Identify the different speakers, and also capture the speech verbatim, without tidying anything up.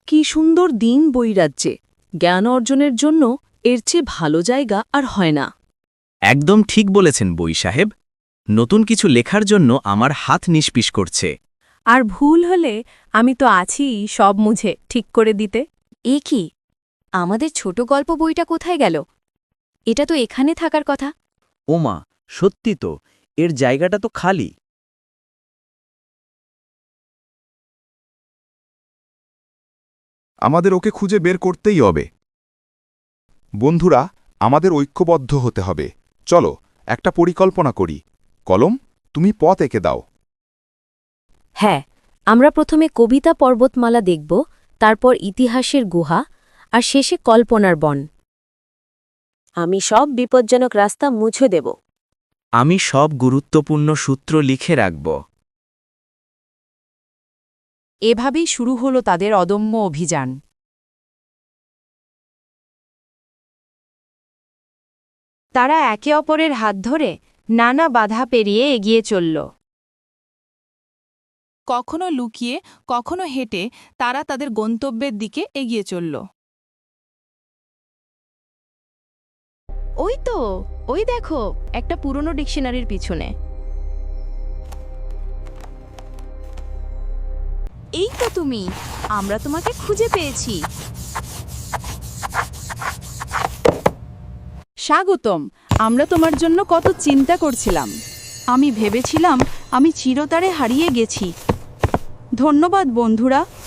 Speaker 1: কি সুন্দর দিন বৈরাজ্যে! জ্ঞান অর্জনের জন্য এর চেয়ে ভালো জায়গা আর হয় না।
Speaker 2: একদম ঠিক বলেছেন বই সাহেব। নতুন কিছু লেখার জন্য আমার হাত নিষ্পিস করছে।
Speaker 3: আর ভুল হলে আমি তো আছি সব মুছে ঠিক করে দিতে।
Speaker 4: এ কি, আমাদের ছোট গল্প বইটা কোথায় গেল? এটা তো এখানে থাকার কথা।
Speaker 5: ওমা, সত্যি তো, এর জায়গাটা তো খালি।
Speaker 6: আমাদের ওকে খুঁজে বের করতেই হবে। বন্ধুরা, আমাদের ঐক্যবদ্ধ হতে হবে। চলো একটা পরিকল্পনা করি। কলম, তুমি পথ এঁকে দাও।
Speaker 4: হ্যাঁ, আমরা প্রথমে কবিতা পর্বতমালা দেখব, তারপর ইতিহাসের গুহা, আর শেষে কল্পনার বন।
Speaker 3: আমি সব বিপজ্জনক রাস্তা মুছে দেব।
Speaker 2: আমি সব গুরুত্বপূর্ণ সূত্র লিখে রাখব।
Speaker 7: এভাবেই শুরু হলো তাদের অদম্য অভিযান। তারা একে অপরের হাত ধরে নানা বাধা পেরিয়ে এগিয়ে চলল। কখনো লুকিয়ে, কখনো হেঁটে তারা তাদের গন্তব্যের দিকে এগিয়ে চলল।
Speaker 3: ওই তো, ওই দেখো, একটা পুরনো ডিকশনারির পিছনে।
Speaker 7: এই তো তুমি, আমরা তোমাকে খুঁজে পেয়েছি। স্বাগতম, আমরা তোমার জন্য কত চিন্তা করছিলাম। আমি ভেবেছিলাম আমি চিরতরে হারিয়ে গেছি। ধন্যবাদ বন্ধুরা।